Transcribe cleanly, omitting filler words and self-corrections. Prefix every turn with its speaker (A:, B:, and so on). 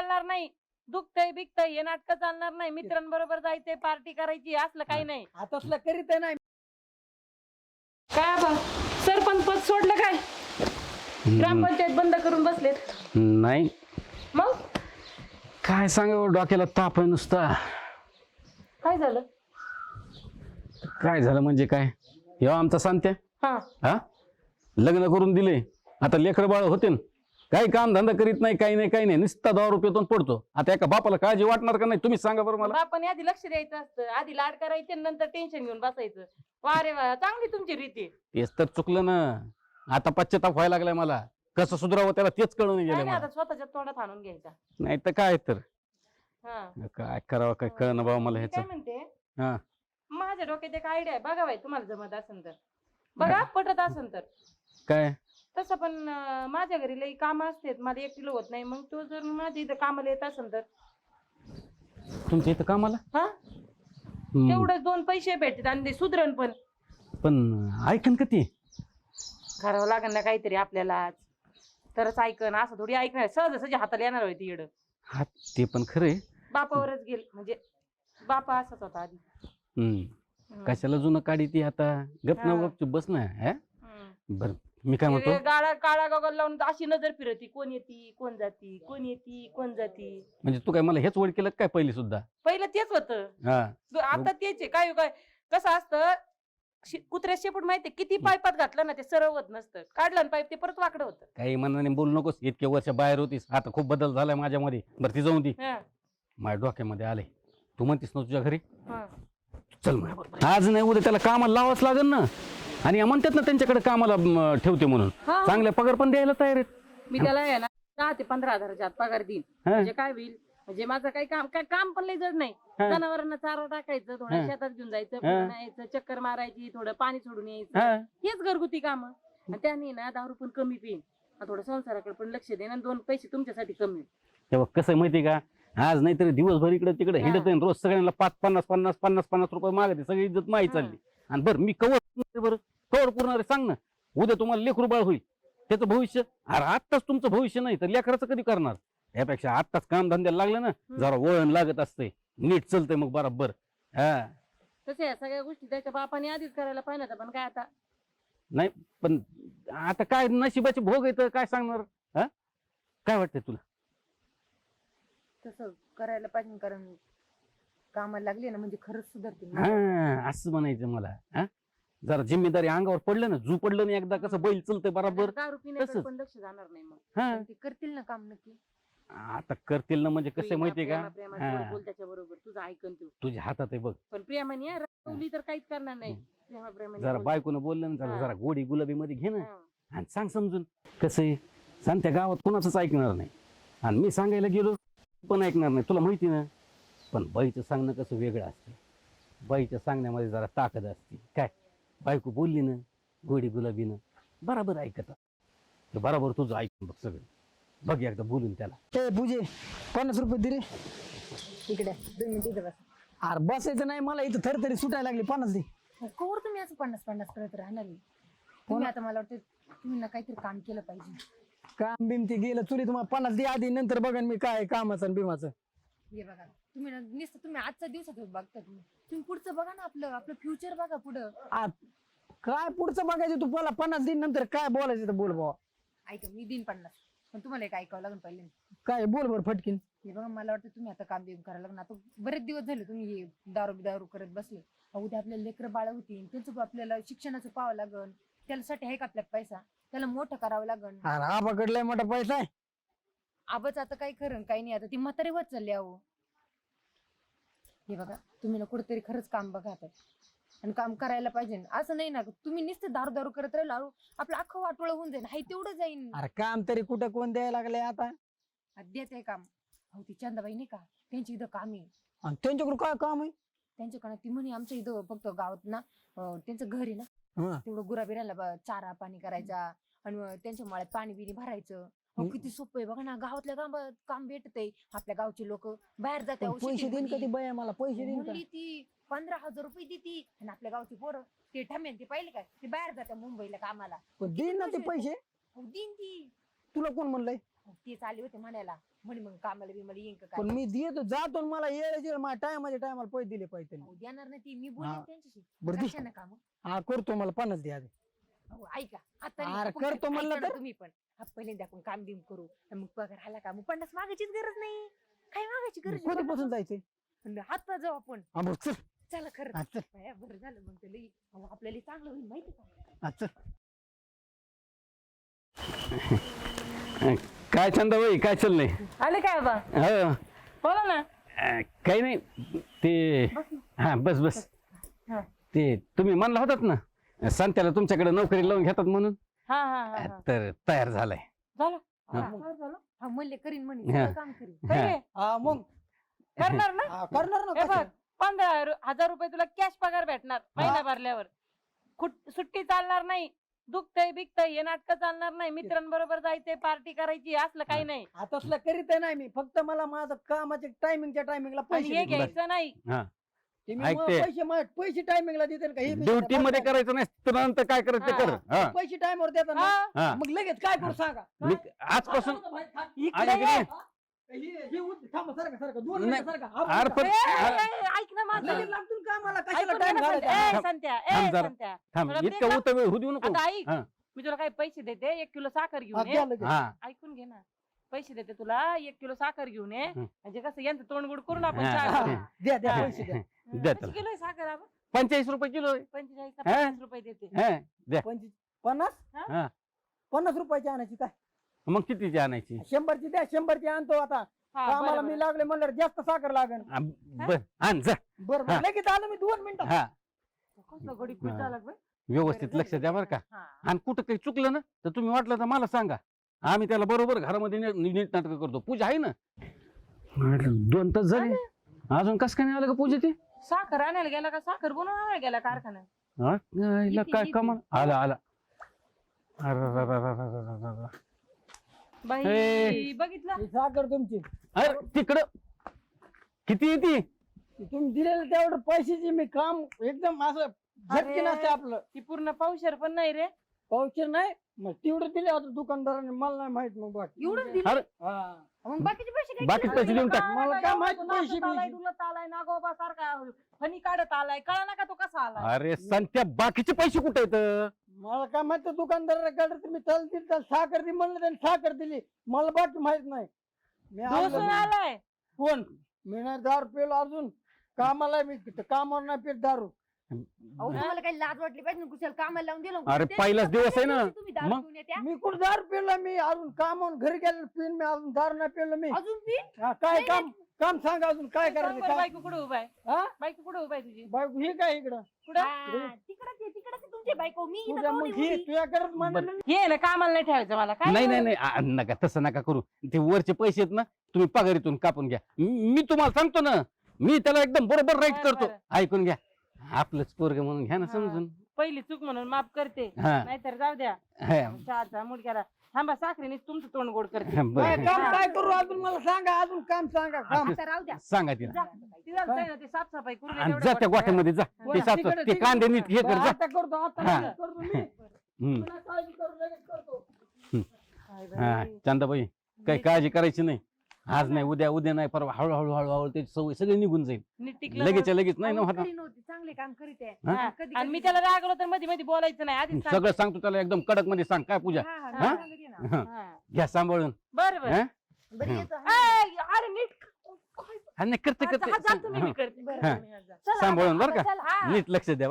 A: चालणार नाही. दुखतय बिकतय हे नाटक चालणार नाही. मित्रांबरोबर जायचंय, पार्टी करायची, असलं काही नाही.
B: आता असलं करीत नाही.
A: काय बा सरपंच पद सोडलं काय? ग्रामपंचायत बंद करून बसलेत.
C: नाही
A: मग
C: काय सांगावं, डोक्याला ताप आहे नुसता.
A: काय झालं?
C: काय झालं म्हणजे काय, हे आमचा सांगते
A: हा
C: हा लग्न करून दिले, आता लेकर बाळ होते ना, काही काम धंदा करीत नाही, काही नाही काही नाही, नुसता 10 रुपयातून पडतो. आता एका बापाला काळजी वाटणार का नाही, तुम्ही सांगा बरं मला.
A: बापाने आधी लक्ष द्यायचं असतं, आधी लाड करायचे नंतर टेन्शन घेऊन बसायचं. वा रे वा, चांगली तुमची रीती.
C: तेच तर चुकलं ना, आता पश्चाताप व्हायला लागलाय मला. कसं सुधारावं त्याला तेच कळून गेलं
A: काय नाही,
C: मला.
A: आता स्वतःच्या तोंडात आणून घ्यायचा.
C: नाही तर काय तर
A: हा
C: काय करावं, काय कळणं बाबा मला
A: मी काय
C: ह्याच.
A: म्हणते,
C: हा
A: माझ्या डोक्यात एक आयडिया आहे, बघा बाई तुम्हाला जमत असेल तर बघा, पटत असेल तर.
C: काय
A: तसं पण माझ्या घरी लई काम असते, मला एकटीला होत नाही. मग तू जर माझ्या इथं कामाला येत असेल तर
C: तुमच्या इथं कामाला.
A: हा तेवढंच 2 पैसे भेटतात आणि ते सुधरण पण.
C: पण ऐकन का ती.
A: करावं लागेल ना काहीतरी आपल्याला, तरच ऐकन. असं थोडी ऐकणार, सहज हाताला येणार होती येड.
C: हा ते पण खरंय.
A: बापावरच गेल, म्हणजे बापा असाच होता आधी.
C: कशाला जुनं काढी ती आता. गप ना
A: हा.
C: गपचूप बस ना.
A: हम्म.
C: बर मी काय म्हणतो,
A: काळा गॉगल लावून अशी नजर फिरती, कोण येती कोण जाती, कोण येती कोण जाती.
C: म्हणजे तू काय मला हेच वड केलं काय पहिली सुद्धा.
A: पहिलं तेच होतं,
C: हा
A: आता तेच आहे. काय काय कसं असतं, कुत्र्या शेपूट माहितीये, किती पाईपात घातलं ना ते सरळ होत नसतं. काढलं ना पाईप ते परत वाकडं होतं.
C: काही मनाने बोलू नकोस, इतके वर्ष बाहेर होतीस, आता खूप बदल झालाय माझ्यामध्ये. बरं ती जाऊन ती
A: हा.
C: माझ्या डोक्यामध्ये आले. तू म्हणतीस ना तुझ्या घरी,
A: हा.
C: चल माझ्याबरोबर. आज नाही उद्या त्याला कामाला लावाच लागेल ना. आणि म्हणतात ना त्यांच्याकडे कामाला ठेवते म्हणून,
A: हा.
C: चांगल्या पगार पण द्यायला तयार आहेत.
A: मी त्याला आहे ना 10 ते 15 हजाराच्या आत पगार देईन. म्हणजे काय होईल, म्हणजे माझं काही काम पण लई जड नाही. जनावरांना चारा टाकायचं, थोडं शेतात घेऊन जायचं, फिरून यायचं, चक्कर मारायची, थोडं पाणी सोडून यायचं, हेच घरगुती काम. आणि त्याने ना दारू पण कमी पिईन, थोडं संसाराकडे पण लक्ष देईन, आणि 2 पैसे तुमच्यासाठी कमी होईल.
C: तेव्हा कसं माहितीये का, आज नाहीतरी दिवसभर इकडे तिकडे हिंडत आहे, रोज सगळ्यांना 50 रुपये मागते, सगळी इज्जत माही चालली. आणि बरं मी बरं कवर पुरणार सांग ना. उद्या तुम्हाला लेकरू बाळ होईल, त्याचं भविष्य. अरे आत्ताच तुमचं भविष्य नाही तर लेकराचं कधी करणार. यापेक्षा आत्ताच काम धंद्याला लागलं ना, जरा वळण लागत असते, नीट चलतंय मग बरोबर. हा
A: तसं या सगळ्या गोष्टी त्याच्या बापाने आधीच करायला पाहिजे होत्या, पण काय आता.
C: नाही पण आता काय नशिबाचे भोग येतं, काय सांगणार. हा काय वाटतंय तुला.
D: तसं करायला पाहिजे, कारण कामाला लागली ना म्हणजे खरंच सुधारतील.
C: हा असं म्हणायचं मला. हा जरा जिम्मेदारी अंगावर पडलं ना, जू पडलं ना एकदा, कसं बैल चलतंय बरोबर.
A: दारू पिण्याकडे पण लक्ष जाणार नाही मग.
C: हा
D: ते करतील ना काम नक्की.
C: आता करतील ना, म्हणजे कसं माहितीये का,
A: बोल त्याच्या बरोबर, तुझं ऐकन तू.
C: तुझ्या हातात आहे बघ.
A: पण प्रेमाने रागवली तर काहीच करणार नाही. प्रेमाने
C: जरा
A: बोल.
C: बायकोनं बोललं ना, जरा गोडी गुलाबी मध्ये घे ना,
A: हा.
C: आणि सांग समजून. कसं आहे, सांग त्या गावात कोणाचंच ऐकणार नाही, आणि मी सांगायला गेलो पण ऐकणार नाही, तुला माहिती ना. पण बाईचं सांगणं कसं वेगळं असतं. बाईच्या सांगण्यामध्ये जरा ताकद असते. काय बायको बोलली ना गोडी गुलाबीनं, बराबर ऐकत बराबर तुझं ऐकून बघ सगळं. बघ एकदा बोलून त्याला.
B: ए पूजे 50 रुपये दे रे.
D: इकडे 2 मिनिटं इथं बस.
B: अरे बसायचं नाही, मला इथं थरथरी सुटायला लागली. 50 दे.
D: कवर तुम्ही असं 50 करत राहणार आहे. तुम्ही आता मला वाटतं तुम्ही ना काहीतरी काम केलं पाहिजे.
B: काम बिम ते गेलं चुरी. तुम्हाला 50 दे आधी, नंतर बघा मी काय कामाचं आणि बिमाचं.
D: हे बघा, तुम्ही ना नुसतं तुम्ही आजचा दिवसात बघता. तुम्ही पुढचं बघा ना, आपलं फ्युचर बघा पुढं.
B: काय पुढचं बघायचं तू. मला 50 दिन नंतर काय बोलायचं तर बोल बाबा.
D: ऐका, मी देईन 50, पण तुम्हाला एक ऐकावं लागेल पहिले.
B: काय बोल बरं फटकीन.
D: हे बघा, मला वाटतं तुम्ही आता काम बिम करायला लागणार. आता बरेच दिवस झाले तुम्ही हे दारू करत बसले. उद्या आपल्याला लेकरं बाळ होतील, त्यांचं आपल्याला शिक्षणाचं पाहावं लागल. त्यासाठी आहे का आपल्याला पैसा, त्याला मोठं करावं लागल.
B: अरे आबाकडलाय मोठा पैसा आहे.
D: आबाच आता काही खरं काही नाही. आता ती म्हातारी होत चालली. अहो हे बघा, तुम्ही ना कुठेतरी खरंच काम बघा आता, आणि काम करायला पाहिजे. असं नाही ना तुम्ही नुसतं दारू करत राहिलो, आपलं अख्खं वाटोळ होऊन जाईल. हाय तेवढं जाईन.
B: अरे काम तरी कुठं कोण द्यायला लागले आता.
D: अद्याच आहे काम. हो ती चंदाबाई नाही का, त्यांची इथं काम आहे.
B: आणि त्यांच्याकडून काय काम आहे.
D: त्यांच्याकडे ती म्हणे आमच्या इथं फक्त गावात ना त्यांचं घर आहे ना, तेवढं गुराबिराला चारा पाणी करायचा, आणि त्यांच्या मळ्यात पाणी बिणी भरायचं. किती सोपं आहे बघा ना. गावातल्या काम भेटतंय. आपल्या गावचे लोक बाहेर जाते.
B: पैसे देईन कधी बाया, मला पैसे देईन का.
D: ती 15,000 रुपये देती, आणि आपल्या गावची पोरं ते ठमेन ते पाहिले काय, ते बाहेर जाते मुंबईला कामाला.
B: देईन ना ते पैसे.
D: देईन ती.
B: तुला कोण म्हणलंय.
D: तेच आले होते म्हणायला म्हणे मग कामाला बिमाला येईन का
B: पण
D: काय.
B: मी देतो जातो आणि मला येळेचे माझ्या टायमाला पैसे दिले पाहिजे
D: अहो, देणार नाही ती मी
B: हा.
D: बोलेन त्यांच्याशी.
B: बरं दे.
D: कशानं काम.
B: हा करतो मला 50 द्या आधी.
D: अहो, ऐका आता
B: अरे,
D: नाही, आपण
B: करतो म्हणलं
D: ऐका ना
B: तर?
D: तुम्ही पण पहिल्यांदा आपण काम बिम करू आणि मग पगार आला का मग 50 मागायचीच गरज नाही. काय मागायची गरज आहे?
B: कधीपासून जायचंय
D: हात जाऊ आपण.
B: हा बरं चल
D: चला खरं
B: हा, चल
D: बरं झालं मग ते लई अहो, आपल्याला चांगलं होईल माहिती का.
B: हा, चल
C: काय चंदाबाई काय चाललंय?
A: आले काय बा
C: हो
A: बोला ना.
C: काही नाही ते हा बस बस
A: हा.
C: ते तुम्ही म्हणला होतात ना संत्याला तुमच्याकडे नोकरी लावून घेतात म्हणून
A: हा हा हा, हा.
C: तर तयार झालाय.
A: झालं
C: हा.
A: काय झालं
D: हा म्हणले करीन म्हणे
C: हा.
D: सगळं काम करीन.
A: काय रे?
B: हा मग
A: करणार ना.
B: हा, करणार ना
A: हे बघ
B: कसं?
A: 15,000 रुपये तुला कॅश पगार भेटणार महिना भरल्यावर. सुट्टी चालणार नाही. दुखतय बिकतय हे नाटक चालणार नाही. मित्रांबरोबर जायचंय पार्टी करायची असलं काही नाही.
B: आता तसलं करीत नाही मी फक्त मला माझं कामाच्या टायमिंगला
A: आणि
B: पैसे
A: हे
B: दे.
A: घ्यायचं नाही.
B: ते मी
C: ऐकते.
B: पैसे टायमिंगला देते ना का हे
C: ड्युटी मध्ये करायचं नाही तर नंतर काय करायचं ते कर. हा.
B: पैसे टाइमवर देतात ना
A: हा?
C: हा.
B: मग लगेच काय करू सांगा
C: मी आजपासून
A: इकडे
C: आणि
A: ये.
B: थांबा सारखा दोन
C: नाही.
B: मिनिटं सारखा. हा,
C: अरे पण-
A: ए, ए, ए, ऐक ना माझं.
B: लगेच लागतो ना कामाला कशाला
A: ऐकून
B: टाइम
A: घे ना
B: घालायचा
A: संत्या.
C: थांब.
A: संत्या
C: थांब जरा.
A: संत्या
C: थांब
A: तुला
C: इतका
A: ते
C: उतर होऊ देऊ नको.
A: आता ऐक
C: हा.
A: मी तुला काही पैसे देते 1 किलो साखर
B: हा,
A: घेऊन ये.
B: द्या लगेच.
C: हा
A: ऐकून घे ना पैसे देते तुला 1 किलो साखर घेऊन ये.
C: हं.
A: म्हणजे कसं यांचं तोंडगुड करून आपण
C: हा.
A: चहा करू.
B: द्या द्या
A: हा.
B: पैसे द्या
C: द्या
A: कशी
C: त्याला.
A: किलो आहे साखर आपण
C: 45 रुपये किलो आहे.
A: 45
C: हा?
A: 50 रुपये देते.
C: हा, द्या
B: 50
C: हा.
B: 50 रुपयाची आणायची काय
C: मग कितीची आणायची?
B: 100ची द्या 100ची आणतो आता
A: हा,
B: कामाला
A: बरं,
B: मी
A: बरं.
B: लागले म्हणलं जास्त साखर लागेल
C: बर आण जा.
B: बरं
C: हा.
B: बरं लगेच आलो मी 2 मिनिटात
C: हा
A: कसलं गडी खुश झाला बे.
C: व्यवस्थित लक्ष द्या बरं का.
A: हा.
C: आणि कुठं काही चुकलं ना तर तुम्ही वाटलं तर मला सांगा. आम्ही त्याला बरोबर घरामध्ये नीट नाटक करतो. पूजा आहे ना. 2 तास झाले अजून कस काय नाही आलं का पूजा ते?
A: साखर आणायला गेला का साखर बनवून आणायला गेला कारखान्यात.
C: हा? हिला
D: येते,
C: काय
D: येते.
C: कमाल आला आला. अरे
A: बाई
C: हे.
A: बघितलं
B: ही साखर तुमची
C: तिकडं किती येते?
B: ती तुम्ही दिलेलं तेवढं पैशाची मी काम एकदम असं झटके
A: अरे.
B: नसते आपलं
A: ती पूर्ण पावशेर पण नाही रे.
B: पावशेर नाही मग तेवढं दिले आता दुकानदाराने मला नाही माहित मग बाकी
D: एवढंच दिलं
C: अरे
B: हा
D: मग बाकीचे पैसे काय
C: बाकीचे पैसे देऊन टाक.
B: मला काय माहित पैसे
A: आलाय
B: बिशे.
A: तुला आलाय नागोबा सारखा फणी काढत आलाय कळा ना का तो कसा आलाय.
C: अरे संत्या बाकीचे पैसे कुठे आहेत?
B: मला काय माहित दुकानदाराकडे तुम्ही चालतील तर साखर दे म्हणलं त्यांनी साखर दिली मला बाकी माहित नाही मी
A: ढोसून
B: आणलं.
A: आलाय.
B: कोण मी नाही दारू पेलो अजून कामाला मी कामावर नाही पेट दारू
D: अहो तुम्हाला काही लाज वाटली पाहिजे ना, कुशाला कामाला लावून दिलं
C: अरे
D: ते
C: पहिलाच दिवस आहे ना.
D: तुम्ही दारू
C: मग?
D: पिऊन येत्या.
B: मी कुठं दारू पेलो मी अजून कामावून घरी गेलो पिन मी अजून दारू नाही पेलो मी
D: अजून पी
B: हा, काय काम काम सांगा अजून काय
A: सांग
B: करायचं
A: बरं,
B: काय
A: बायको कुठे उभा आहे.
B: हा
A: बायको कुठे उभा आहे तुझी.
B: बायको हे काय इकडं
A: कुठं
D: तिकडे तुमची बायको मी इथं
B: तुझ्या
D: कोण
B: मग
D: आहे
B: ही
D: उभी?
B: तुझ्या करत म्हणलं
A: हे आहे ना कामाला नाही ठेवायचं मला काय.
C: नाही नाही नाही नका तसं नका करू. ते वरचे पैसे आहेत ना तुम्ही पगारीतून कापून घ्या. मी तुम्हाला सांगतो ना मी त्याला एकदम बरोबर राईट
A: बरं,
C: करतो.
A: बरं.
C: ऐकून घ्या आपलंच पोरग म्हणून घ्या ना
A: हा.
C: समजून.
A: पहिली चूक म्हणून माफ करते
C: हा
A: नाहीतर जाऊ द्या.
C: हा,
A: चहाचा मुडक्याला थांबा साखरेने तुमचं तोंड गोड करते.
B: काय
C: बरं
B: काम काय करू अजून मला सांगा अजून काम सांगा काम
D: आता राहू द्या.
C: सांगा तिला.
A: जा. ती जाऊ दे ना, ते साफसफाई करू दे
C: आणि
A: तेवढं
C: जा त्या
A: वाटतं.
C: गोठ्यामध्ये जा.
A: हा.
C: ते साफ
B: तिकडे-
C: ते कांदे नीट हे कर
B: बरं,
C: जा.
B: आता करतो आता
C: हा.
B: लगेच करतो मी
C: हम्म.
B: तुला काळजी करू लगेच करतो
A: काय बाई.
C: हा चंदाबाई काही काळजी करायची नाही. आज नाही उद्या नाही परवा हळूहळू हळूहळू त्याची सवय सगळी निघून जाईल.
A: नीट टिकलं
C: लगेच
A: ना.
C: लगेच नाही ना
D: अहो,
C: होता.
D: करीन होती, चांगले काम करीत आहे.
C: हा?
A: हा.
D: कधी-
A: आणि मी
D: कधी-
A: त्याला रागवलं तर मध्ये मध्ये बोलायचं नाही आधीच सांग.
C: सगळं सांगतो त्याला एकदम कडक मध्ये सांग काय पूजा.
D: हा, हा,
A: हा?
D: मी सांगते ना.
C: हा.
A: हा.
C: घ्या सांभाळून.
A: बरं बरं.
C: हा?
D: बरं येतो, हा.
A: ऐ, अरे नीट काय-
C: हा, नाही करते
A: हा, जा,
C: करते
A: जा तुम्ही, मी करते.
D: बरं,
A: हा.
D: बरं.
A: चला,
C: सांभाळून बरं का.
A: चला, हा.
C: नीट लक्ष द्या.